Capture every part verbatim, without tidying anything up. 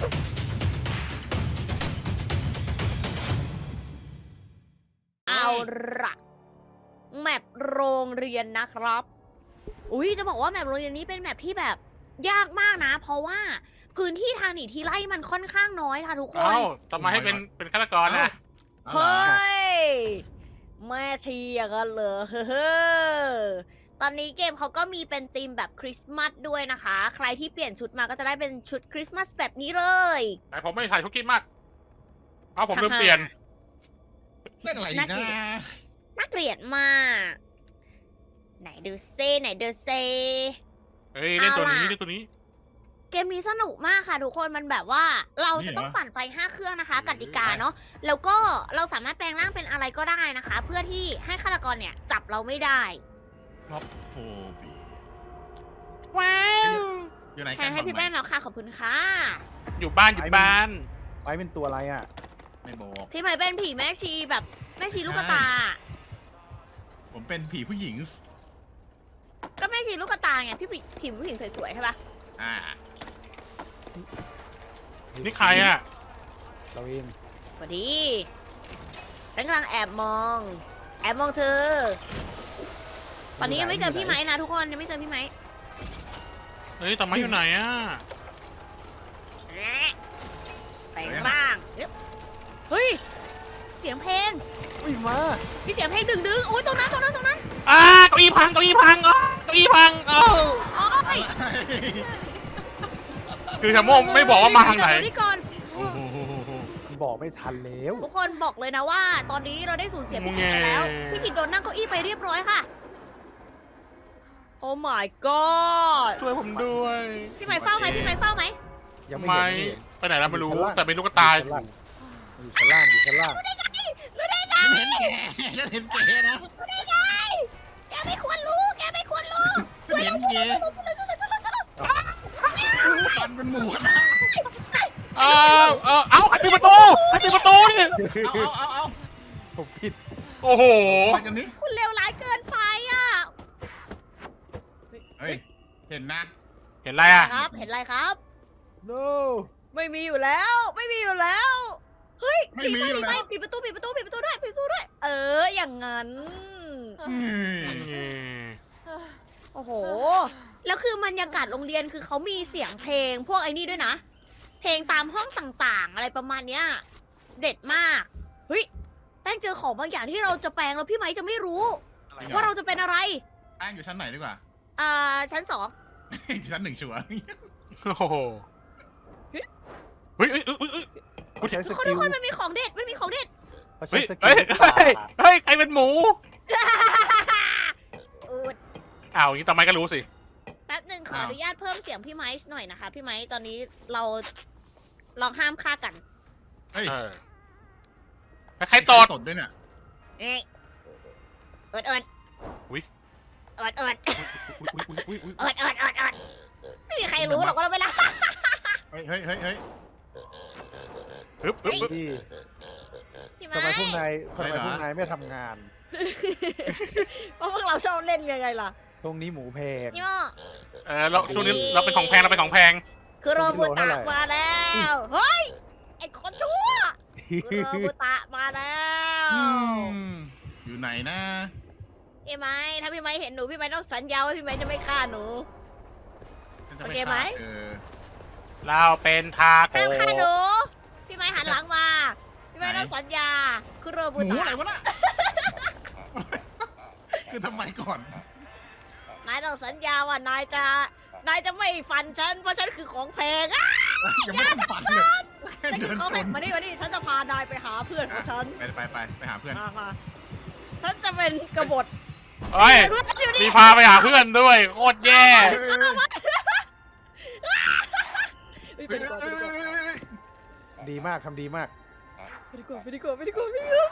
เอาละแมปโรงเรียนนะครับ อุ้ยจะบอกว่าแมปโรงเรียนนี้เป็นแมปที่แบบยากมากนะ เพราะว่าพื้นที่ทางหนีทีไล่มันค่อนข้างน้อยค่ะทุกคนเอ้าทำไมให้เป็นเป็นฆาตกรนะเฮ้ย แม่ชีอย่างนั้นเหรอเฮ้อตอนนี้เกมเขาก็มีเป็นธีมแบบคริสต์มาสด้วยนะคะ ใครที่เปลี่ยนชุดมาก็จะได้เป็นชุดคริสต์มาสแบบนี้เลยแต่ผมไม่ถ่ายทุกคลิปมากเอาผมลืมเปลี่ยนเล่นอะไรอีกนะน่าเกลียดมาก ไหนดูเซไหนดูเซเฮ้ยเล่นตัวนี้เอาล่ะเล่นตัวนี้เกมนี้สนุกมากค่ะทุกคนมันแบบว่าเราจะต้องปั่นไฟห้าเครื่องนะคะกติกาเนาะแล้วก็เราสามารถแปลงร่างเป็นอะไรก็ได้นะคะ เพื่อที่ให้ฆาตกรเนี่ยจับเราไม่ได้ท็อปโฟบีว้าวอยู่ไหนแทกันนให้พี่บแป้อกงไหมแล้วค่ะขอบคุณค่ะอยู่บ้านอยู่บ้านไว้เป็นตัวอะไรอ่ะไม่บอกพี่ใหม่เป็นผีแม่ชีแบบแม่ชีลูกตาผมเป็นผีผู้หญิงก็แม่ชีลูกตาไงพี่ผีผีผู้หญิงสวยๆใช่ปะอ่านี่ใครอ่ะเราเองสวัสดีฉันกำลังแอบมอง แอบมองเธอ ตอนนี้ยังไม่เจอพี่ไม้นะทุกคนยังไม่เจอพี่ไม้เฮ้ยแต่ไม่อยู่ไหนอ่ะแปลงร่างเฮ้ยเสียงเพลงอุ้ยมามีเสียงเพลงดึงดึงๆอุ้ยตรงนั้นตรงนั้นตรงนั้นอ่าเก้าอี้พังเก้าอี้พังอ๋อเก้าอี้พังเอ้าโอ้ยคือชาโมงไม่บอกว่ามาทางไหนเดี๋ยวนี่ก่อนโอ้โหบอกไม่ทันแล้วทุกคนบอกเลยนะว่า ตอนนี้เราได้สูญเสียพี่กิจไปแล้ว พี่กิจโดนนั่งเก้าอี้ไปเรียบร้อยค่ะ โอ้ my god ช่วยผมด้วยพี่ไม้เฝ้าไหมพี่ไม้เฝ้าไหมยังไม่ไม่เห็นไปไหนแล้วไม่รู้แต่เป็นลูกตาอยู่ชั้นล่างอยู่ชั้นล่างรู้ได้ไงฉันเห็นแกฉันเห็นแกนะรู้ได้ไงแกไม่ควรรู้แกไม่ควรรู้ฉันเห็นแกช่วยเลยช่วยเลยช่วยเลยช่วยเลยตันเป็นหมูกันนะเออเออเอ้าใครปิดประตูใครปิดประตูนี่เอาเอาเอาเอาผมผิดโอ้โหไปกันนี้คุณเลวร้ายเกินไปอ่ะเฮ้ย เห็นนะเห็นอะไรอ่ะครับ เห็นอะไรครับ no ไม่มีอยู่แล้ว ไม่มีอยู่แล้ว เฮ้ยไม่มีอยู่ปิดแล้ไปวปิดประตูปิดประตูปิดประตูด้วยปิดประตูด้วย เออ อย่างนั้นอืมโอ้โห แล้วคือบรรยากาศโรงเรียนคือเขามีเสียงเพลงพวกไอ้นี่ด้วยนะ เพลงตามห้องต่างๆ อะไรประมาณเนี้ย เด็ดมาก เฮ้ย แป้งเจอของบางอย่างที่เราจะแปลงแล้วพี่ไม้จะไม่รู้ ว่าเราจะเป็นอะไรแป้งอยู่ชั้นไหนดีกว่าอ่า ชั้นสองอยู่ชั้นหนึ่งชัวร์โอ้โหเฮ้ยเฮ้ยเฮ้ยเฮ้ยเฮ้ยเขาใช้สทุกคนกิทุลกคนมันมีของเด็ด มันมีของเด็ดเขาใช้เฮ้ยสกิเฮ้ลยเฮ้ยเฮ้ยใครเป็นหมูอืดอ้าวอย่างนี้ทำไมก็รู้สิแป๊บหนึ่งขออ้าวอนุญาตเพิ่มเสียงพี่ไม้หน่อยนะคะ พี่ไม้ตอนนี้เราลองห้ามฆ่ากันเฮ้ยเออใครตดตดด้วยเนี่ยเอ้ยเอิดเอิดอุ๊ยเอิดเอิดอุ๊ยอุ๊ยอุ๊ยอุ๊ยเอิดเอิดเอิดเอิดไม่มีใครรู้หรอกว่าเราเวลาเฮ้ยเฮ้ยเฮ้ยเฮ้ยฮึบฮึบฮึบที่พี่ทำไมไม้พวกนายทำไมพวกนายไม่ทำงานเพราะพวกเราชอบเล่นยังไงล่ะตรงนี้หมูแพงนี่ม่อเออเราช่วงนี้เราเป็นของแพงเราเป็นของแพงคือโรบุเท่าตะไหร่มาแล้วเฮ้ยไอ้คนชั่วคือโรบุตะมาแล้วอืมอยู่ไหนนะพี่ไม้ถ้าพี่ไม้เห็นหนูพี่ไม้ต้องสัญญาว่าพี่ไม้จะไม่ฆ่าหนูฉันจะโอไปเคไหมฆ่าเธอเราเป็นทาโกห้ามฆ่าหนู พี่ไม้หันหลังมา พี่ไม้ต้องสัญญาคือโรหบุมูตะอะไรวะน่ะ คือทำไมก่อนนายต้องสัญญาว่านายจะ นายจะไม่ฟันฉัน เพราะฉันคือของแพงอ่ะยังไม่ทันฝันเลยแค่ฉันเดิคือน ของชแพงนมานี่มานี่ฉันจะพานายไปหาเพื่อนของฉันไปไปไปไปหาเพื่อนมามาฉันจะเป็นกบฏเฮ้ยเพื่อนฉันอยู่มีนี่พาไปหาเพื่อนด้วยโคตรแย่เฮ้ยไปดีกว่าไปดีกว่าดีมากทำดีมากไปดีกว่าไปดีกว่าไปดีกว่าไปดีกว่า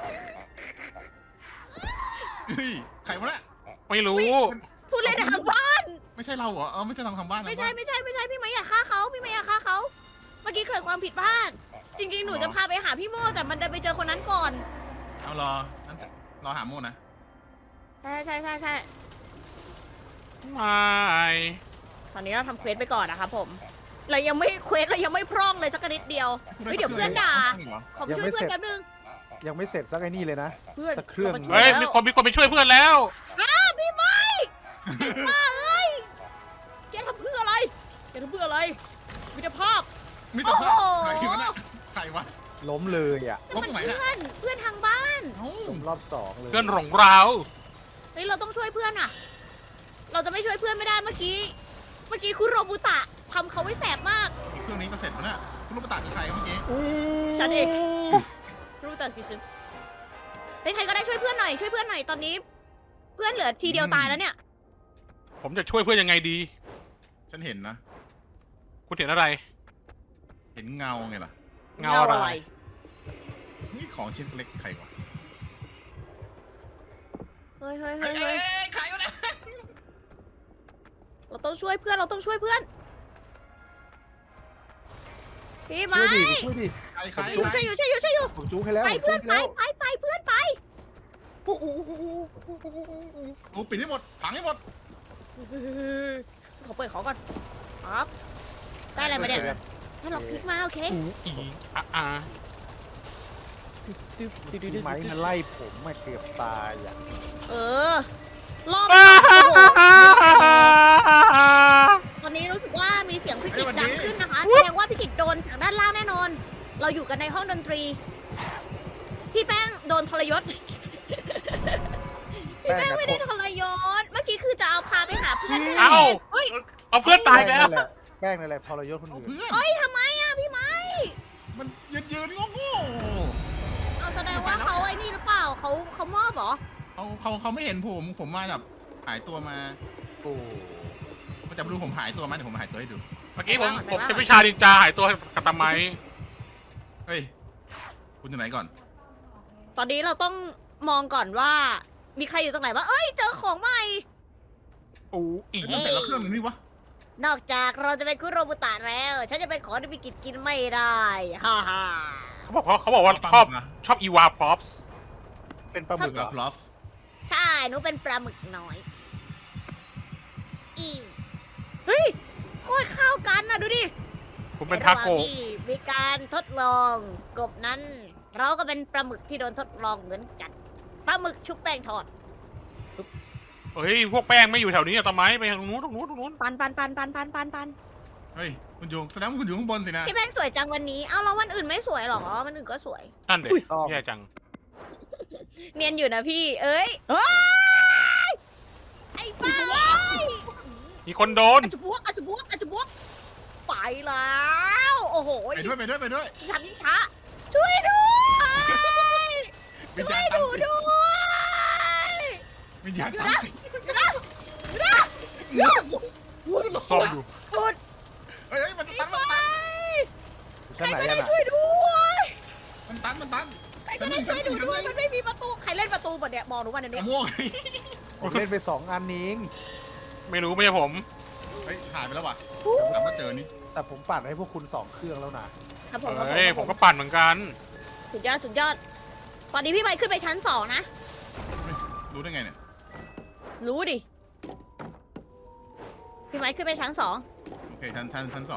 เฮ้ยใครวะน่ะไม่รู้พูดเล่นในทางบ้านไม่ใช่เราเหรอเออไม่ใช่ทางทางบ้านไม่ใช่ไม่ใช่ไม่ใช่พี่ไม้อยากฆ่าเขาพี่ไม้อยากฆ่าเขาเมื่อกี้เกิดความผิดพลาด จริงๆ หนูจะพาไปหาพี่โม่แต่มันเดินไปเจอคนนั้นก่อนเอารอนั่นรอหาโมนะใช่ใช่ใช่ใช่ไม่ตอนนี้เราทำเควสไปก่อนนะครับผมเรายังไม่เควสเรายังไม่พร่องเลยสักนิดเดียว เฮ้ยเดี๋ยวเพื่อนด่าเหรอขอไปช่วยเพื่อนแป๊บนึงยังไม่เสร็จสักไอ้นี่เลยนะเพื่อนสักเครื่องามาช่วเฮ้ยแล้วมีคนมีคนไปช่วยเพื่อนแล้วอ้าพี่ไม้มาเอ้ยแกทำเพื่ออะไรแกทำเพื่ออะไรมิตรภาพมิตรภาพโอ้โหใครวะน่ะใครวะล้มเลยอ่ะลบตรงไหนเพื่น่ะอนเพื่อนทางบ้านเอ้าล้มรอบสองเลยเพื่อนหลงเราเฮ้ยเราต้องช่วยเพื่อนอ่ะ เราจะไม่ช่วยเพื่อนไม่ได้เมื่อกี้ เมื่อกี้คุณโรบุตะทำเขาไว้แสบมากเครื่องนี้ก็เสร็จแล้วน่ะคุณลูกประตาคือใครเมื่อกี้ฉันเอง โรบุตะคือฉันเฮ้ยใครก็ได้ช่วยเพื่อนหน่อยช่วยเพื่อนหน่อยตอนนี้ เพื่อนเหลือทีเดียวตายแล้วเนี่ยผมจะช่วยเพื่อนยังไงดีฉันเห็นนะคุณเห็นอะไรเห็นเงาไงล่ะเงาอะไรนี่ของชิ้นเล็กใครวะเฮ้ยเฮ้ยเอ้เฮ้ยยเอ้เฮ้ยยใครวะเนี่ยเราต้องช่วยเพื่อนเราต้องช่วยเพื่อน พี่ไม้ช่วยดิช่วยดิใครใครจุ๊บใครช่วยอยู่ช่วยอยู่ช่วยอยู่ผมจู้ให้แล้วไปเพื่อนผมไปจู้ไปไปเพื่อนไปโอ้ปิดให้หมดผังให้หมดขอเปิดของก่อนครับได้อะไรมาเนี่ยให้เราพลิกมาโอเคอูอีอะอาพี่ไม้มาไล่ผมมาเกือบตายอ่ะเออรอบนี้โอ้โหตอนนี้รู้สึกว่ามีเสียงพี่กิจดังขึ้นนะคะแสดงว่าพี่กิจโดนจากด้านล่างแน่นอน เราอยู่กันในห้องดนตรี พี่แป้งโดนทรยศ พี่แป้งไม่ได้ทรยศ เมื่อกี้คือจะเอาพาไปหาเพื่อนที่ไหนเอ้าเฮ้ยเอาเพื่อนตายแล้วแป้งนั่นแหละแป้งนั่นแหละทรยศคนเอาอื่นเพื่อนเฮ้ยทำไมอ่ะพี่ไม้มันยืนยืนงงเอาแสดงว่าเขาไอ้นี่หรือเปล่าเขาเขามอบเหรอๆเขาเขาเขาไม่เห็นผมผมมาแบบหายตัวมาโอ้ก็จะไม่รู้ผมหายตัวมาเดี๋ยวผมหายตัวให้ดูเมื่อกี้ผมผมใช้วิชาดินจาหายตัวกับตะไมเฮ้ยคุณอยู่ไหนก่อนตอนนี้เราต้องมองก่อนว่า มีใครอยู่ตรงไหนบ้างเอ้ยเจอของใหม่อูอีเฮ้ยมันเสร็จแล้วเครื่องนึงนี่วะนอกจากเราจะเป็นคุโรบุตะแล้ว ฉันจะเป็นของที่พิกิจกินไม่ได้ฮ่าฮ่าเขาบอกเขาเขาบอกว่าชอบชอบอีวาพร็อพส์เป็นปลาหมึกเหรกับอพลอฟใช่หนูเป็นปลาหมึกน้อยอีเฮ้ยโคตรเข้ากันนะดูดิผมเป็นในทาระหว่งโกะที่มีการทดลองกบนั้น เราก็เป็นปลาหมึกที่โดนทดลองเหมือนกันปลาหมึกชุบแป้งทอดเฮ้ยพวกแป้งไม่อยู่แถวนี้อะตะไมไปทางนู้นตรงนู้นตรงนู้นปันปันปันปันปันปันปันเฮ้ยคุณอยู่แสดงว่าคุณอยู่ข้างบนสินะพี่แป้งสวยจังวันนี้เอ้าแล้ววันอื่นไม่สวยหรอวันอื่นก็สวยนั่นเด็กต้องแย่จังเนียนอยู่นะพี่ เอ้ยเฮ้ยไอ้ป้าเอ้ยมีคนโดนอาจจะบวกอาจจะบวกอาจจะบวกไปแล้ว โอ้โหไปด้วยไปด้วยไปด้วยทำยิ่งช้า ช่วยด้วยวิญช่ญาวยณหตามนูติดด้วยวิญญาณตามติดซ่อมอยู่พูดเฮ้ยเฮ้ยมันไปตันมันตันใคชั้นรไหนก็กัได้นอ่ะช่วยด้วยมันตันมันตันใครก็ได้ช่วยหนูด้วยมันไม่มีประตูใครเล่นประตูหมดเนี่ยมองหนูวันมะนี้ม่วงผมเล่นไปสองอันนี้ไม่รู้ไม่ใช่ผมเฮ้ยหายไปแล้วว่ะกลับมาเจอนี่แต่ผมปั่นให้พวกคุณสองเครื่องแล้วนะครับผมครับเฮ้ยคผรับมก็ปั่นเหมือนกันสุดยอดสุดยอด ตอนนี้พี่ไปขึ้นไปชั้นสองนะรู้ได้ไงเนี่ยรู้ดิ พี่ไม้ขึ้นไปชั้นสองโอเคชั้นชั้นชั้นสอง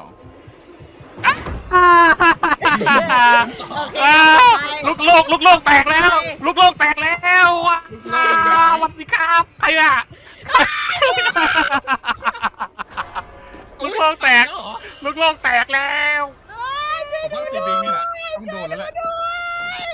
โอเคอ้าวไปลูกโลกลูกโลกแตกแล้ว ลูกโลกแตกแล้วอ่ะอ้าวสวัสดีครับใครอ่ะลูกโลกแตกแล้วเหรอลูกโลกแตกแล้วเอ้ยช่วยผมว่าซีบิงนี่แหละต้องโดนแล้วแหละด้วย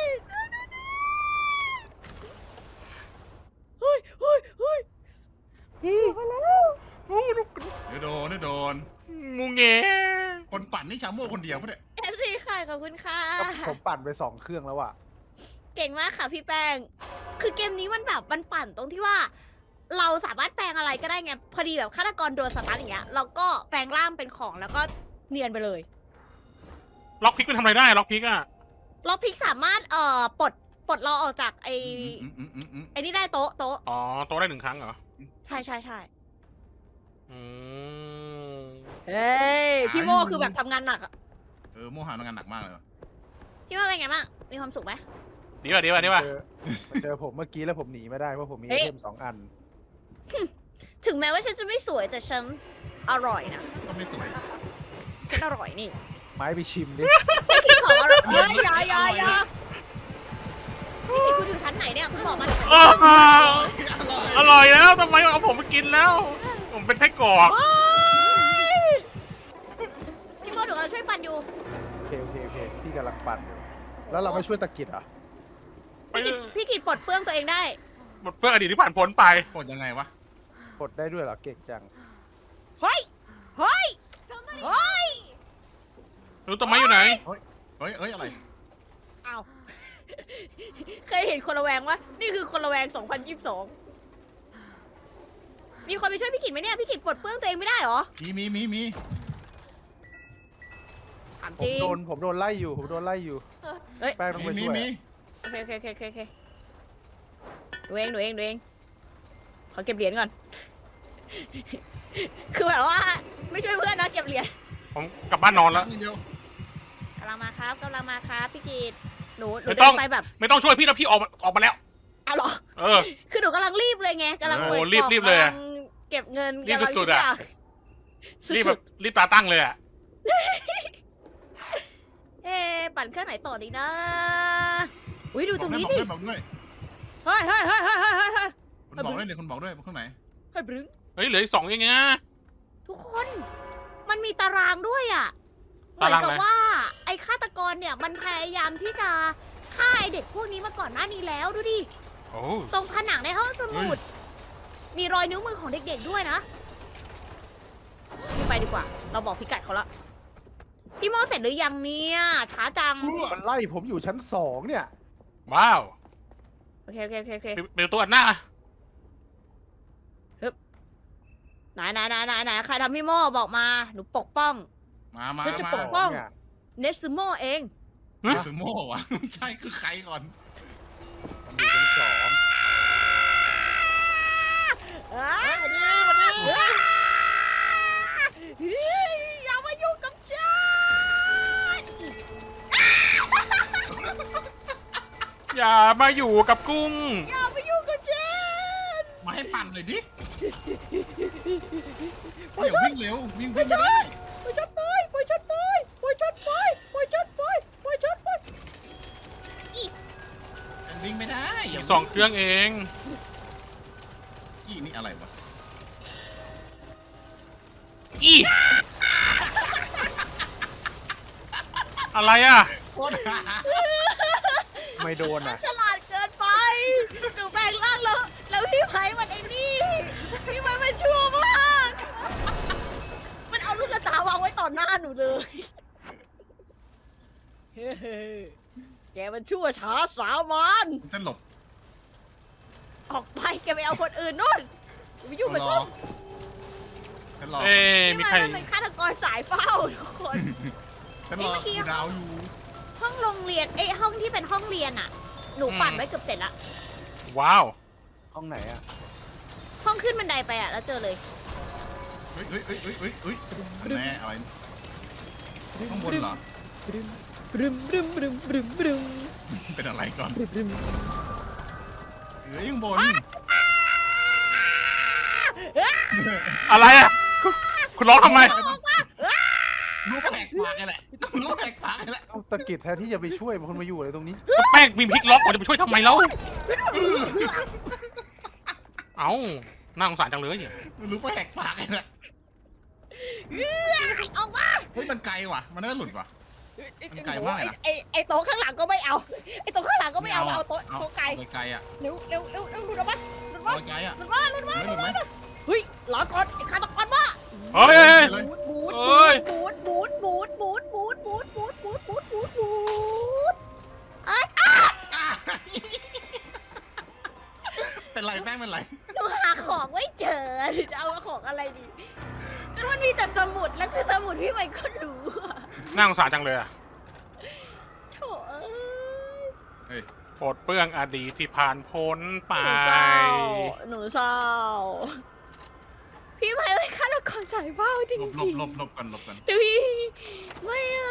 เฮ้ยเฮ้ยเฮ้ยมาแล้วเดี๋ยวโดนเดี๋ยวโดนงูเงคนปั่นนี่ชาโม่คนเดียวปะเนี่ยเอฟซีค่ะขอบคุณค่ะก็ผมปั่นไปสองเครื่องแล้วอ่ะเก่งมากค่ะพี่แป้ง คือเกมนี้มันแบบมันปั่นตรงที่ว่า เราสามารถแปลงอะไรก็ได้ไง พอดีแบบฆาตกรโดนสตาร์ทอย่างเงี้ย เราก็แปลงร่างเป็นของแล้วก็เนียนไปเลยล็อกพิกมันทำอะไรได้ล็อกพิกอ่ะล็อกพิกสามารถเอ่อปลดปลดเราออกจากไอ้อืมอืมอืมอืมไอ้นี่ได้โต๊ะโต๊ะอ๋อโตได้หนึ่งครั้งเหรอใช่ใช่ใช่อืมเฮ้ยพี่โมคือแบบทำงานหนักอะเออโมหะทำงานหนักมากเลยว่ะพี่โมเป็นไงบ้าง มีความสุขไหมดีป่ะดีป่ะดีป่ะเจอมาเจอผมเมื่อกี้แล้วผมหนีไม่ได้เพราะผมมีเฮ้ไอย เทมสองอันถึงแม้ว่าฉันจะไม่สวยแต่ฉันอร่อยนะก็ไม่สวยฉันอร่อยนี่ไม้ไปชิมดิพี่กินของอร่อยเฮ้ยอยาอยาอยาพี่กินคุณอยู่ชั้นไหนเนี่ยคุณบอกมาหน่อยอ้าวอร่อยแล้วทำไมเอาผมไปกินแล้ว ผมเป็นไส้กรอกโอ๊ยพี่โมดูเราช่วยปั่นอยู่โอเคโอเคโอเคพี่กำลังปั่นอยู่แล้วเราไม่ช่วยตะกิดเหรอ่ะไปพี่กินพี่กินปลดเปลื้องตัวเองได้หมดเพื่ออดีตที่ผ่านพ้นไปกดยังไงวะกดได้ด้วยเหรอเก่งจังเฮ้ย เฮ้ย เฮ้ยรู้ต้นไม้อยู่ไหนเฮ้ยเฮ้ยอะไรอ้าว เคยเห็นคนระแวงวะนี่คือคนระแวงสองพันยี่สิบสองมีคนไปช่วยพี่กินไหมเนี่ย พี่กินปลดเปลื้องตัวเองไม่ได้เหรอมีมีมีมีถามผจมริงโดนผมโดนไล่อยู่ผมโดนไล่อยู่เฮ้ยแป้งต้องมีไปมีช่วยมีโอเคโอเคโอเคโอเคโอเคดูเองดูเองดูเอง ขอเก็บเหรียญก่อน คือแบบว่า ไม่ช่วยเพื่อนนะเก็บเหรียญผมกลับบ้านนอนแล้วนิดเดียวกำลังมาครับกำลังมาครับพี่กีดหนูหนูไม่เดิต้องนไปแบบไม่ต้องช่วยพี่แล้วพี่ออกมาออกมาแล้วเอาเหรอเออคือหนูกำลังรีบเลยไงกำลังโอ้เปิดรีบกล่องรีบเลยอะกำงเก็บเงินรีบกำลังสุดๆอะทุกรีบย่างแบบรีบตาตั้งเลยอ่ะเอ๊ะปั่นเครื่องไหนต่อดีนะ อุ้ยดูบตอรกงด้วยนี้บอกดิด้วยบอกด้วยเฮ้ยเฮ้ยเฮ้ยเฮ้ยเฮ้ยเฮ้ยเฮ้ยคุณบอกด้วยเลยคุณบอกด้วยข้างไหนเฮ้ยบรึ้งเฮ้ยเหลืออีกสองอย่างเงี้ยทุกคน มันมีตารางด้วยอ่ะเหมือนตารางกับอะไรว่า ไอ้ฆาตกรเนี่ยมันพยายามที่จะฆ่าไอ้เด็กพวกนี้มาก่อนหน้านี้แล้วดูดิโอ้ตรงผนังในห้องสมุด มีรอยนิ้วมือของเด็กๆด้วยนะไปดีกว่า เราบอกพิกัดเขาละพี่โมเสร็จหรือยังเนี่ยช้าจังมันไล่ผมอยู่ชั้นสองเนี่ยว้าวโอเคโอเคโอเคโอเคเป็นเป็นตัวอันหน้าไหนไหนไหนไหนไหนใครทำพี่โมบอกมา หนูปกป้องมามาเธอจะมาปกป้องเนี่ยเนสโมเองซูโม่วะใช่คือใครก่อนมันอยู่ชั้นสองอ้าเฮ้ยมาดิมาดิเฮ้ยอย่ามายุ่งกับฉันอย่ามาอยู่กับกุ้งอย่ามายุ่งกับฉันมาให้ปั่นเลยดิอย่าวิ่งเร็ววิ่งวิ่งไม่ได้ปล่อยฉันไปปล่อยฉันไปปล่อยฉันไปปล่อยฉันไปปล่อยฉันไปวิ่งไม่ได้ออีย่ากสองเครื่องเองอีนี่อะไรวะอีอะไรอ่ะโคตรหาไม่โดนมัอ่ะนฉลาดเกินไปหนูแปลงร่างแล้วแล้วพี่ไผ่มันไอ้นี่พี่ไผ่มันชั่วมากมันเอาลูกกระตาวางไว้ต่อหน้าหนูเลยเฮ้แกมันชั่วช้าสามัญจะหลบออกไปแกไปเอาคนอื่นนู่นอย่าไปยุ่งกับฉันฉันรอเอ้ยมีนี่ใครมันเป็นฆาตกรสายเฝ้าทุกคนฉันรอคุณดาวอยู่ห้องโรงเรียนเอ้ยห้องที่เป็นห้องเรียนอ่ะ หนูปั่นไว้เกือบเสร็จละว้าวห้องไหนอ่ะห้องขึ้นบันไดไปอ่ะแล้วเจอเลยเฮ้ยเฮ้ยเฮ้ยเฮ้ยเฮ้ยเฮ้ยแน่อะไรข้างบนเหรอบรึมบรึมบรึมบรึมบรึมบรึมเป็นอะไรก่อนบรึมเฮ้ยข้างบนอะไรอ่ะ คุณคุณร้องทำไมรู้แปลกปากไงแหละรู้แปลกปากไงแหละเอ้าตะกิดแทนที่จะไปช่วยมันคนมาอยู่อะไรตรงนี้ก็แป้งมีพลิกล็อกผมจะไปช่วยทำไมแล้ว เอ้าน่าสงสารจังเลยเนี่ยรู้แปลกปากไงแหละเอื้อออกมาเฮ้ยมันไกลว่ะ มันน่าหลุดว่ะ มันไกลมากเลยนะไอ้ไอ้โต๊ะข้างหลังก็ไม่เอาไอ้โต๊ะข้างหลังก็ไม่เอาเอาโต๊ะโต๊ะไกลเอาไกลอ่ะเร็วเร็วเร็วเร็วดูนะบ้าดูนะเอาบ้าไกลอ่ะดูนะบ้าดูนะบ้าไม่หลุดไหมเฮ้ยรอก่อนไอ้ฆาตกรบ้าเฮ้ยเฮ้ยเลยบูดเอ้ยบูดบูดบูดบูดบูดบูดบูดบูดบูดบูดบูดไอ้เป็นไรแป้งเป็นไรหนูหาของไม่เจอหนูจะเอาของอะไรดีแล้วมันมีแต่สมุดแล้วคือสมุดพี่มันก็รู้อะน่าสงสารจังเลยอ่ะโถเอ้ยเฮ้ยปลดเปลื้องอดีตที่ผ่านพ้นไปหนูเศร้าหนูเศร้าพี่ไม่เป็นฆาตกรสายเฝ้าจริหลงบหลบหลบหลบกันหลบกันๆแต่พี่ไม่เอา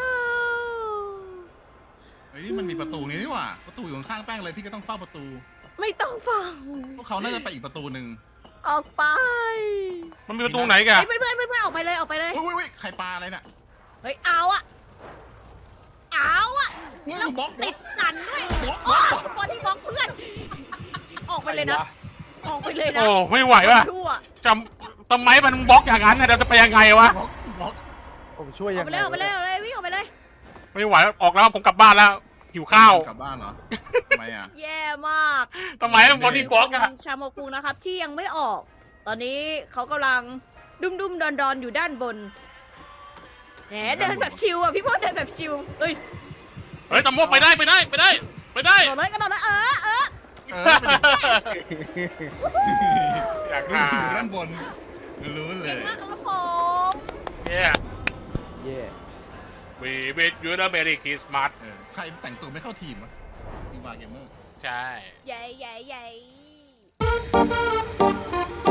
เฮ้ยมันมีประตูนี้นี่หว่า ประตูอยู่ข้างๆแป้งเลยพี่ก็ต้องเฝ้าประตูไม่ต้องฟังพวกเขาน่าจะไปอีกประตูหนึ่งออกไปมันมีประตูไหนกันเฮ้ยเพื่อนเพื่อนเพื่อนออกไปเลยออกไปเลยอุ้ยอุ้ยใครปลาอะไรน่ะเฮ้ยเอาอะเอาอะนี่แล้วบล็อกบล็ติอกดกันด้วยบล็อกบโอ้ล็อกบอดี้บล็อกเพื่อน ออกไปเลยนะ ออกไปเลยนะโอ้ไม่ไหวว่ะทั่วจำทำไมมันบล็อกอย่างนั้นเนี่ยเราจะไปยังไงวะบล็อกบล็อกผมช่วยอยัอกงไปไงเลยออกไปเลยออกไปเลยวิ่งออกไปเลยไม่ไหวออกแล้วผมกลับบ้านแล้วหิวข้าวกลับบ้านเหรอทำไมอ่ะแย่มากทำไมมันบอดี้บล็อกอะชาโมกุนะครับที่ยังไม่ออก ตอนนี้เขากำลังดุมดุมดอนดอนๆอยู่ด้านบนแหมเดินแบบชิวอ่ะพี่พอเดินแบบชิวเฮ้ยเฮ้ยตำรวจไปได้ไปได้ไปได้ไปได้กระโดดเลยกระโดดเลยเออเออเออเป็นอยากรู้หาอยู่ด้านบนรู้เลเก่งยมากครับผมเนี่ยเย่วีวิทยูร์เบรี่คริสต์มาสเออใครแต่งตัวไม่เข้าทีมวะทีมวาเกมเมอร์ใช่ใหญ่ใหญ่ใหญ่